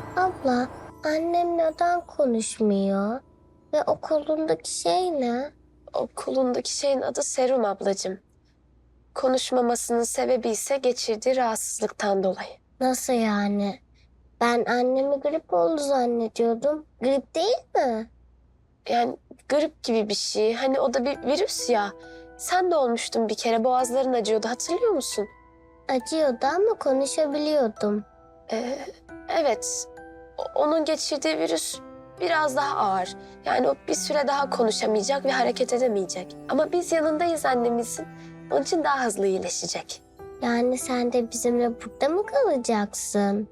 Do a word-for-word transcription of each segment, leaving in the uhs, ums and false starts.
Abla, annem neden konuşmuyor? Ve o kolundaki şey ne? O kolundaki şeyin adı serum ablacığım. Konuşmamasının sebebi ise geçirdiği rahatsızlıktan dolayı. Nasıl yani? Ben annemi grip oldu zannediyordum. Grip değil mi? Yani grip gibi bir şey. Hani o da bir virüs ya. Sen de olmuştun bir kere. Boğazların acıyordu, hatırlıyor musun? Acıyordu ama konuşabiliyordum. Ee, evet. O- onun geçirdiği virüs biraz daha ağır. Yani o bir süre daha konuşamayacak ve hareket edemeyecek. Ama biz yanındayız annemizin. Onun için daha hızlı iyileşecek. Yani sen de bizimle burada mı kalacaksın?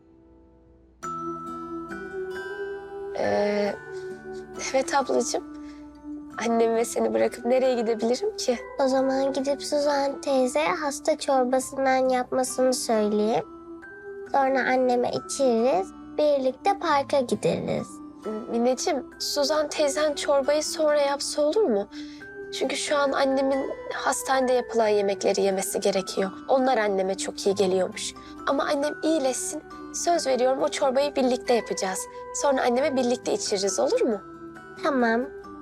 Ee, evet ablacığım. Annem ve seni bırakıp nereye gidebilirim ki? O zaman gidip Suzan teyze hasta çorbasından yapmasını söyleyeyim. Sonra anneme içiriz, birlikte parka gideriz. Mineciğim, Suzan teyzen çorbayı sonra yapsa olur mu? Çünkü şu an annemin hastanede yapılan yemekleri yemesi gerekiyor. Onlar anneme çok iyi geliyormuş. Ama annem iyileşsin. Söz veriyorum o çorbayı birlikte yapacağız. Sonra anneme birlikte içiririz, olur mu? Tamam.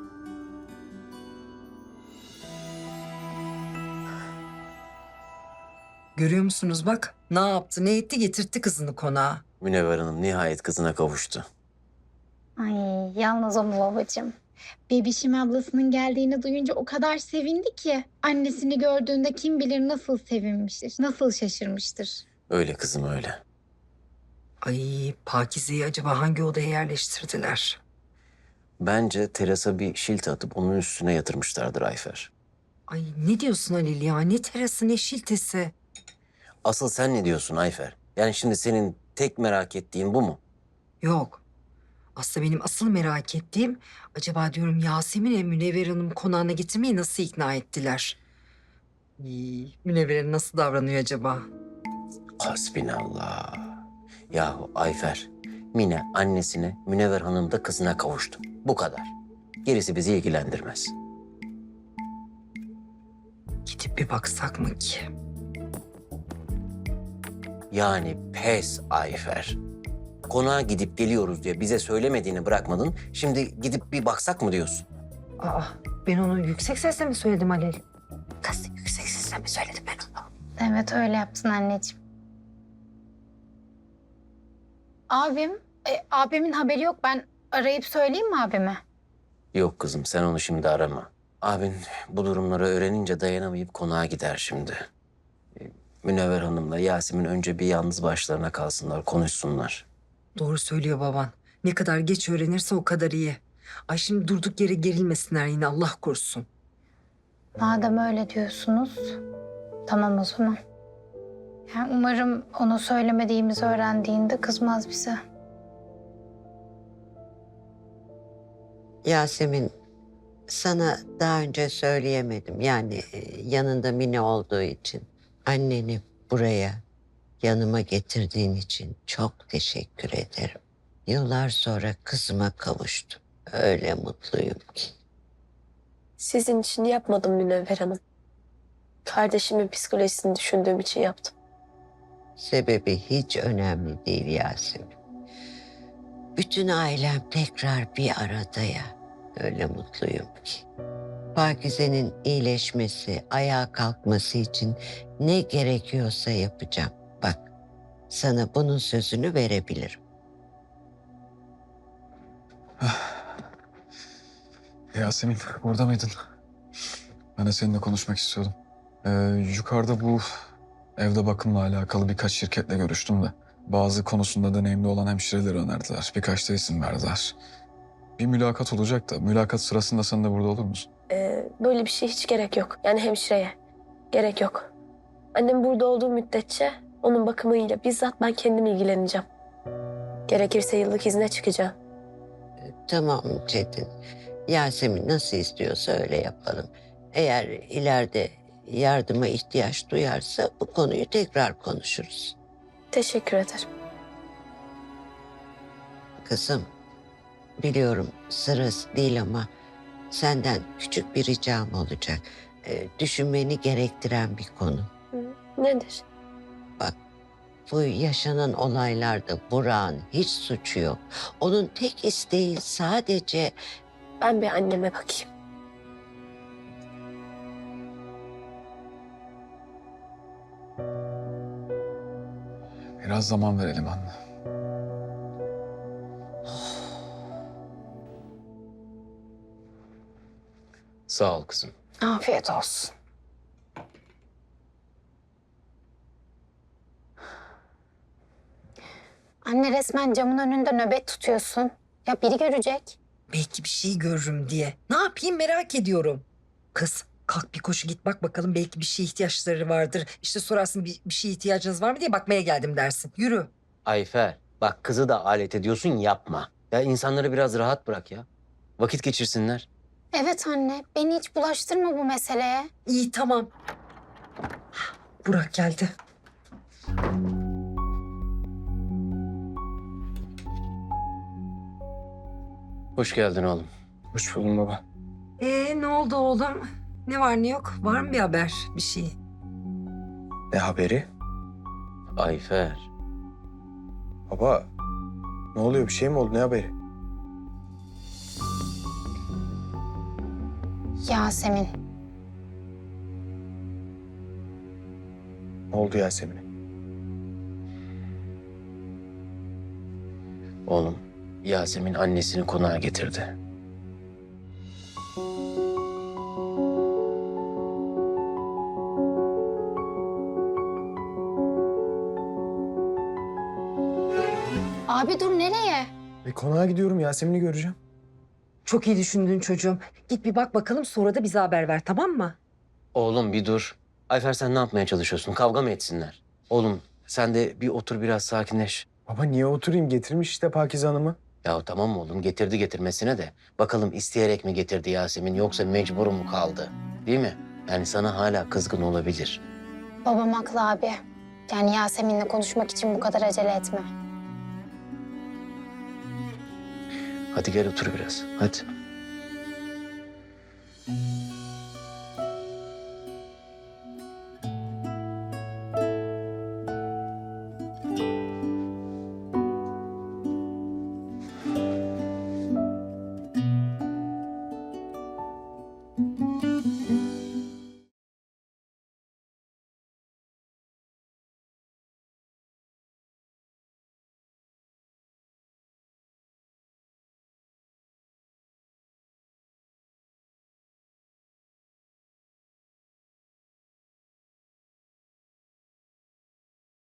Görüyor musunuz bak ne yaptı ne etti getirtti kızını konağa. Münevver Hanım nihayet kızına kavuştu. Ay yalnız o mu babacığım? Bebişim ablasının geldiğini duyunca o kadar sevindi ki. Annesini gördüğünde kim bilir nasıl sevinmiştir, nasıl şaşırmıştır. Öyle kızım öyle. Ay Pakize'yi acaba hangi odaya yerleştirdiler? Bence terasa bir şilt atıp onun üstüne yatırmışlardır Ayfer. Ay ne diyorsun Halil ya, ne terası ne şiltesi. Asıl sen ne diyorsun Ayfer? Yani şimdi senin tek merak ettiğin bu mu? Yok. Aslında benim asıl merak ettiğim acaba diyorum Yasemin'e Münevver Hanım konağına getirmeyi nasıl ikna ettiler? Ay, Münevver Hanım nasıl davranıyor acaba? Hasbinallah. Yahu Ayfer, Mine annesine, Münevver Hanım da kızına kavuştu. Bu kadar. Gerisi bizi ilgilendirmez. Gidip bir baksak mı ki? Yani pes Ayfer. Konağa gidip geliyoruz diye bize söylemediğini bırakmadın. Şimdi gidip bir baksak mı diyorsun? Aa, ben onu yüksek sesle mi söyledim Halil? Kız yüksek sesle mi söyledim ben onu? Evet öyle yaptın anneciğim. Abim, e, abimin haberi yok. Ben arayıp söyleyeyim mi abime? Yok kızım sen onu şimdi arama. Abin bu durumları öğrenince dayanamayıp konağa gider şimdi. Ee, Münevver Hanım'la Yasemin önce bir yalnız başlarına kalsınlar, konuşsunlar. Doğru söylüyor baban. Ne kadar geç öğrenirse o kadar iyi. Ay şimdi durduk yere gerilmesinler yine Allah korusun. Madem öyle diyorsunuz, tamam o zaman. Yani umarım ona söylemediğimizi öğrendiğinde kızmaz bize. Yasemin, sana daha önce söyleyemedim. Yani e, yanında Mine olduğu için. Anneni buraya yanıma getirdiğin için çok teşekkür ederim. Yıllar sonra kızıma kavuştum. Öyle mutluyum ki. Sizin için yapmadım Münevver Hanım. Kardeşimin psikolojisini düşündüğüm için yaptım. Sebebi hiç önemli değil Yasemin. Bütün ailem tekrar bir arada ya. Öyle mutluyum ki. Pakize'nin iyileşmesi, ayağa kalkması için ne gerekiyorsa yapacağım. Bak, sana bunun sözünü verebilirim. Yasemin, orada mıydın? Ben de seninle konuşmak istiyordum. Ee, yukarıda bu evde bakımla alakalı birkaç şirketle görüştüm de. Bazı konusunda deneyimli olan hemşireleri önerdiler. Birkaç da isim verdiler. Bir mülakat olacak da mülakat sırasında sen de burada olur musun? Ee, böyle bir şey hiç gerek yok. Yani hemşireye. Gerek yok. Annem burada olduğu müddetçe onun bakımıyla bizzat ben kendim ilgileneceğim. Gerekirse yıllık izne çıkacağım. Tamam Çetin. Yasemin nasıl istiyorsa öyle yapalım. Eğer ileride yardıma ihtiyaç duyarsa bu konuyu tekrar konuşuruz. Teşekkür ederim. Kızım, biliyorum sırası değil ama senden küçük bir ricam olacak. Ee, düşünmeni gerektiren bir konu. Hı, nedir? Bak, bu yaşanan olaylarda Burak'ın hiç suçu yok. Onun tek isteği sadece Ben bir anneme bakayım. Biraz zaman verelim anne. Sağ ol kızım. Afiyet olsun. Anne resmen camın önünde nöbet tutuyorsun. Ya biri görecek. Belki bir şey görürüm diye. Ne yapayım merak ediyorum. Kız kalk bir koşu git bak bakalım belki bir şeye ihtiyaçları vardır. İşte sorarsın bir, bir şeye ihtiyacınız var mı diye bakmaya geldim dersin. Yürü. Ayfer, bak kızı da alet ediyorsun, yapma. Ya insanları biraz rahat bırak ya. Vakit geçirsinler. Evet anne, beni hiç bulaştırma bu meseleye. İyi tamam. Burak geldi. Hoş geldin oğlum. Hoş buldum baba. Ee ne oldu oğlum? Ne var ne yok? Var mı bir haber bir şey? Ne haberi? Ayfer, Baba, ne oluyor? Bir şey mi oldu? Ne haberi? Yasemin. Ne oldu Yasemin'e? oğlum Yasemin annesini konağa getirdi. Abi dur nereye? E, konağa gidiyorum. Yasemin'i göreceğim. Çok iyi düşündün çocuğum. Git bir bak bakalım sonra da bize haber ver tamam mı? Oğlum bir dur. Ayfer sen ne yapmaya çalışıyorsun? Kavga mı etsinler? Oğlum sen de bir otur biraz sakinleş. Baba niye oturayım? Getirmiş işte Pakize Hanım'ı. Ya tamam oğlum getirdi getirmesine de. Bakalım isteyerek mi getirdi Yasemin yoksa mecbur mu kaldı? Değil mi? Yani sana hala kızgın olabilir. Babam haklı abi. Yani Yasemin'le konuşmak için bu kadar acele etme. Hadi gel otur biraz. Hadi.